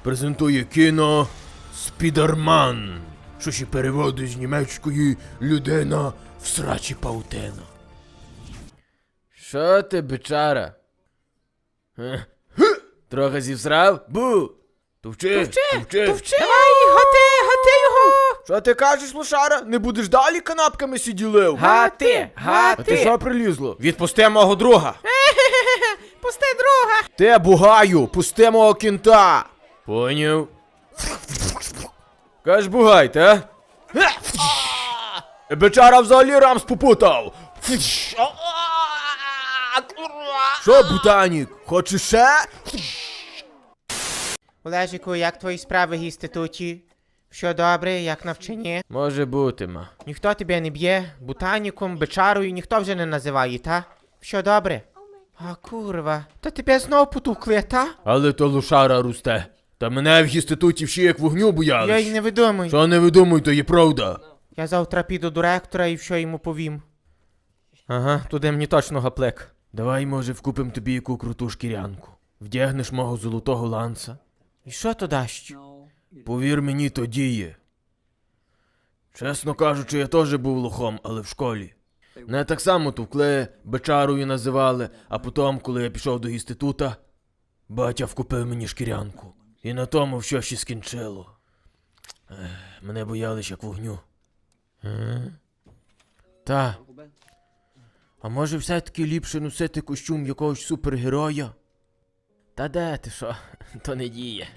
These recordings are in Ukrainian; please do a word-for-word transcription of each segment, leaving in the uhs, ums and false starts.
презентує кіно «Спідерман», що ще переводить з німецької «людина в срачі паутина». Що ти, бичара? Е? Трохи зівсрав? Бу! Товчи, Товчи, товчи. товчи! Давай, гати, гати його! Що ти кажеш, лошара? Не будеш далі канапками сиділив? Гати, А ти гати! що прилізло? Відпусти мого друга! Пусти друга! Те, бугаю, пусти мого кінта! Поняв? Каж бугайте, а? Бичара взагалі рамс попутав! Що, бутанік, хочеш ще? Олежику, як твої справи в інституті? Що добре, як навчання? Може бути, ма. Ніхто тебе не б'є, ботаніком, бичарою ніхто вже не називає, та? Що добре? А курва, то тебе знов потукли, та? Але то лошара росте. Та мене в інституті всі як вогню Я боялись. й не видумую. Що не видумуй, то є правда. Я завтра піду до ректора і що йому повім. Ага, туди мені точно гаплик. Давай, може, вкупим тобі яку круту шкірянку. Вдягнеш мого золотого ланца. І що то дасть? Повір мені, то діє. Чесно кажучи, я теж був лохом, але в школі. Мене так само товкли, бичарою називали, а потім, коли я пішов до інститута, батя вкупив мені шкірянку. І на тому все ще скінчило. Ех, мене боялись як вогню. Е? Та. А може все-таки ліпше носити костюм якогось супергероя? Та де ти що? То не діє.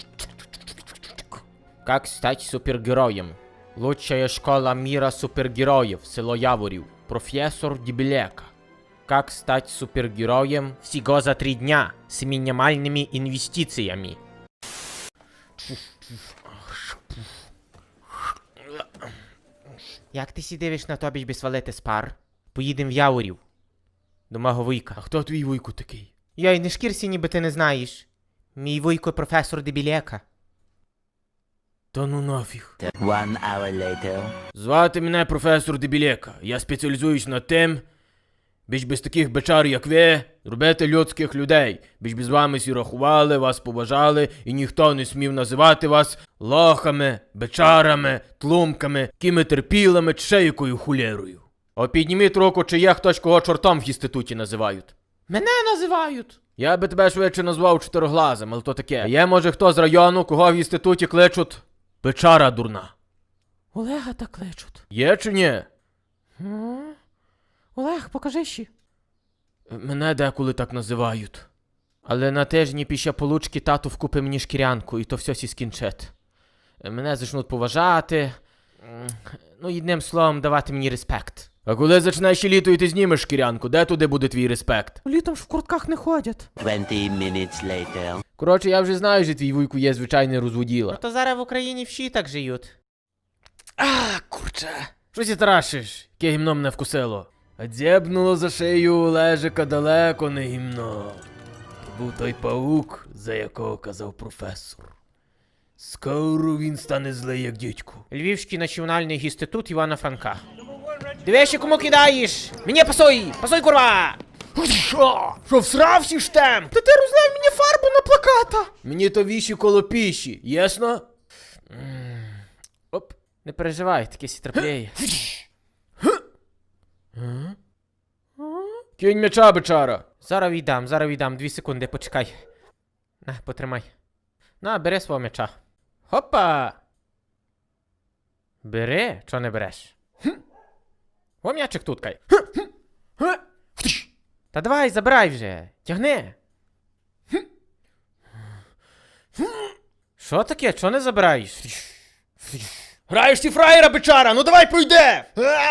Как стать супергероем? Лучшая школа мира супергероев, село Яворів. Профессор Дебелека. Как стать супергероем всего за три дня с минимальными инвестициями? Як ти сі дивиш на тобі, би свалити з пар? Поїдем в Яворів. До мого вуйка. А хто твій вуйку такий? Йой, не шкірся, ніби ти не знаєш. Мій вуйко професор Дебелека. Та ну нафіг. One hour later. Звати мене професор Дебілека. Я спеціалізуюсь над тим, біж без таких бичар, як ви, робити людських людей. Біж без вами всі рахували, вас поважали, і ніхто не смів називати вас лохами, бичарами, тлумками, кіметерпілами чи ще якою хулєрою. О, підніміть руку, чи є хтось, кого чортом в інституті називають. Мене називають. Я би тебе швидше назвав чотироглазим, але то таке. А є, може, хто з району, кого в інституті кличуть бичара дурна. Олега так кличуть. Є чи ні? М? Олег, покажи ще. Мене деколи так називають. Але на тижні після получки тату вкупи мені шкірянку, і то все сі скінчить. Мене зачнуть поважати. М, Ну, єдним словом, давати мені респект. А коли зачнеш літо і ти знімеш шкірянку, де туди буде твій респект? Літом ж в куртках не ходять. Twenty minutes later. Коротше, я вже знаю, що твій вуйку є звичайний розводіла. То зараз в Україні всі так живуть. А, курче. Щось і тарашиш, яке гімно мене вкусило. А дзєбнуло за шию Олежика далеко не гімно. То був той паук, за якого казав професор. Скоро він стане злий, як дідько. Львівський національний інститут Івана Франка. Дивись, кому кидаєш! Мені пасуй! Пасуй, курва! Що? Що всрався штемп? Та ти розлив мені фарбу на плаката! Мені то віші коло піші, ясно? Оп, не переживай, таке сі трапляє. Кінь м'яча, бичара. Зараз віддам, зараз віддам, дві секунди, почекай. На, потримай. На, бери свого м'яча. Хопа! Бери, чого не береш? О, м'ячик тут кай. Та давай, забирай вже, тягни. Що таке, чого не забираєш? Граєш ти фраєра, бичара, ну давай пойде!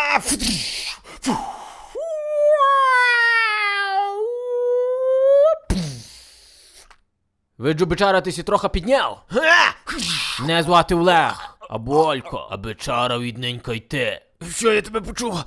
Виджу, бичара, ти сі трохи підняв. Не звати Олег, а Болько, а бичара відненька йти. Що, я тебе почув?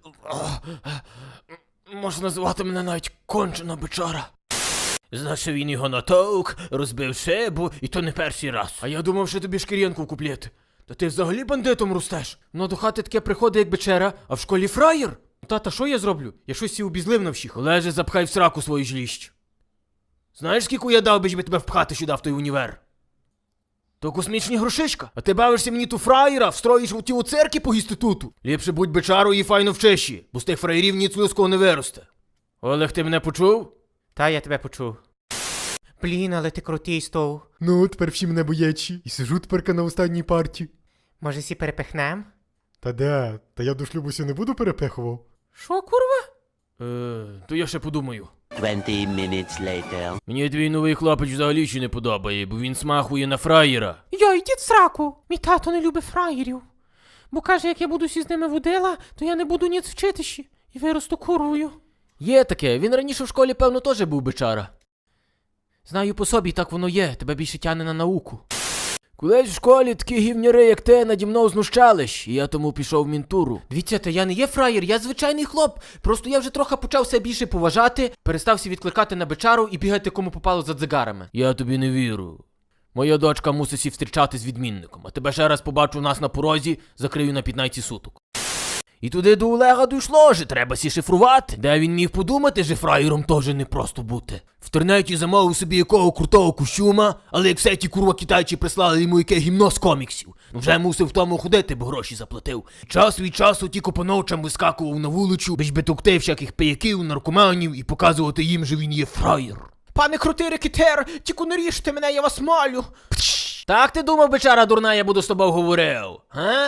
Можна називати мене навіть кончена бичара. Значить, він його натовк, розбив шибу, і то не перший раз. А я думав, що тобі шкірянку куплєти. Та ти взагалі бандитом ростеш. Ну до хати таке приходить, як бичера, а в школі фраєр. Тата, що я зроблю? Я щось сі обізлив на всіх. Олеже, запхай в сраку свою жліщ. Знаєш, скільки я дав, би тебе впхати сюди в той універ? То космічні грошишка. А ти бавишся мені ту фраєра, встроїш у ті у церкві по інституту. Ліпше будь бичарою і файно вчиші, бо з тих фраєрів ніц людського не виросте. Олег, ти мене почув? Та я тебе почув. Блін, але ти крутий стов. Ну, тепер всі мене боячі. І сижу теперка на останній парті. Може, сі перепихнем? Та де? Та я до шлюбу сі не буду перепихував. Що, курва? Е, то я ще подумаю. Twenty minutes later. Мені твій новий хлопець взагалі ще не подобає, бо він смахує на фраєра. Йой, йдіть в сраку. Мій тато не любить фраєрів. Бо каже, як я буду сі з ними водила, то я не буду ніц вчитися. І виросту курвою. Є таке, він раніше в школі, певно, теж був бичара. Знаю по собі, так воно є, тебе більше тяне на науку. Колись в школі такі гівняри, як ти, наді мною знущались, і я тому пішов в мінтуру. Дивіться, то я не є фраєр, я звичайний хлоп. Просто я вже трохи почав себе більше поважати, перестався відкликати на бичару і бігати кому попало за дзигарами. Я тобі не вірю. Моя дочка мусить сі встрічати з відмінником, а тебе ще раз побачу у нас на порозі, закрию на п'ятнадцять суток. І туди до Олега дійшло, що треба сі шифрувати. Де він міг подумати, що фраєром теж не просто бути. В інтернеті замовив собі якого крутого костюма, але як все ті курва китайці прислали йому яке гімно з коміксів. Вже мусив в тому ходити, бо гроші заплатив. Час від часу тільки по ночам вискакував на вулицю, бич би тукти всяких пияків, наркоманів і показувати їм, що він є фраєр. Пане крутий рекетер, тільки не ріжте мене, я вас малю. Так ти думав, бичара дурна, я буду з тобою говорив, га?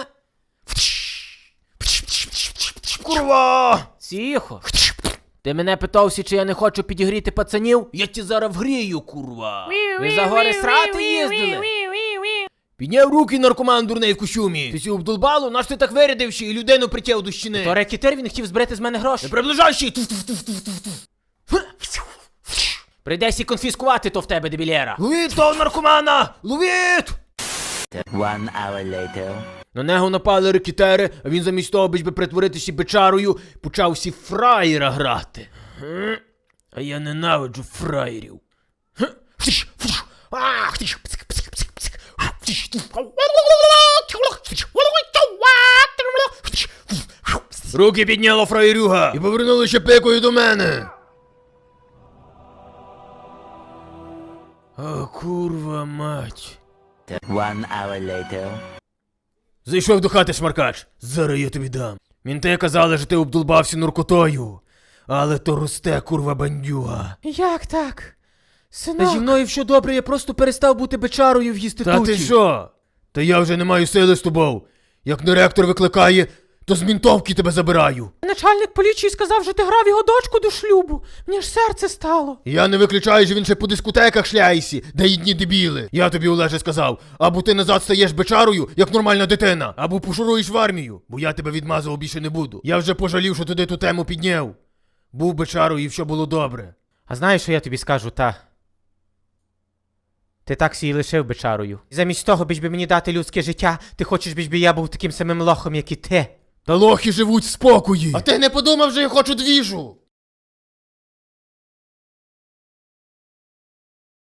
Курва! Тихо. Ти мене питався, чи я не хочу підігріти пацанів? Я ті зараз вгрію, курва. Ви за гори срати їздили? Підняв руки наркоман дурний в костюмі. Ти сі обдолбало? Наш ти так вирядивши і людину притяв до щіни? То рекетер, він хотів збрити з мене гроші. Не приближайся! Прийдеться конфіскувати то в тебе, дебілєра. Ловіть того наркомана! Ловіть! One hour later. На нього напали рекетери, а він замість того, би притворитися бичарою, почав всі фраєра грати. Ге? А я ненавиджу фраєрів. Ге? Ах, ти ж, псик, псик, псик, псик. Руки підняла фраєрюга і повернулися пикою до мене. О, курва мать. One hour later. Зайшов до хати шмаркач. Зараз я тобі дам. Мінти казали, що ти обдолбався наркотою. Але то росте, курва бандюга. Як так? Синок. Та зі мною все добре, я просто перестав бути бичарою в інституті. Та ти що? Та я вже не маю сили з тобою. Як директор викликає, то з мінтовки тебе забираю. Начальник поліції сказав, що ти грав його дочку до шлюбу. Мені ж серце стало. Я не виключаю, що він ще по дискотеках шляється, де їдні дебіли. Я тобі, Олеже, сказав, або ти назад стаєш бичарою, як нормальна дитина, або пошуруєш в армію, бо я тебе відмазував більше не буду. Я вже пожалів, що туди ту тему підняв. Був бичарою і все було добре. А знаєш, що я тобі скажу, та? Ти так сі і лишив бичарою. Замість того, біж би мені дати людське життя, ти хочеш, біж би я був таким самим лохом, як і ти. Та лохи живуть в спокої. А ти не подумав, що я хочу двіжу?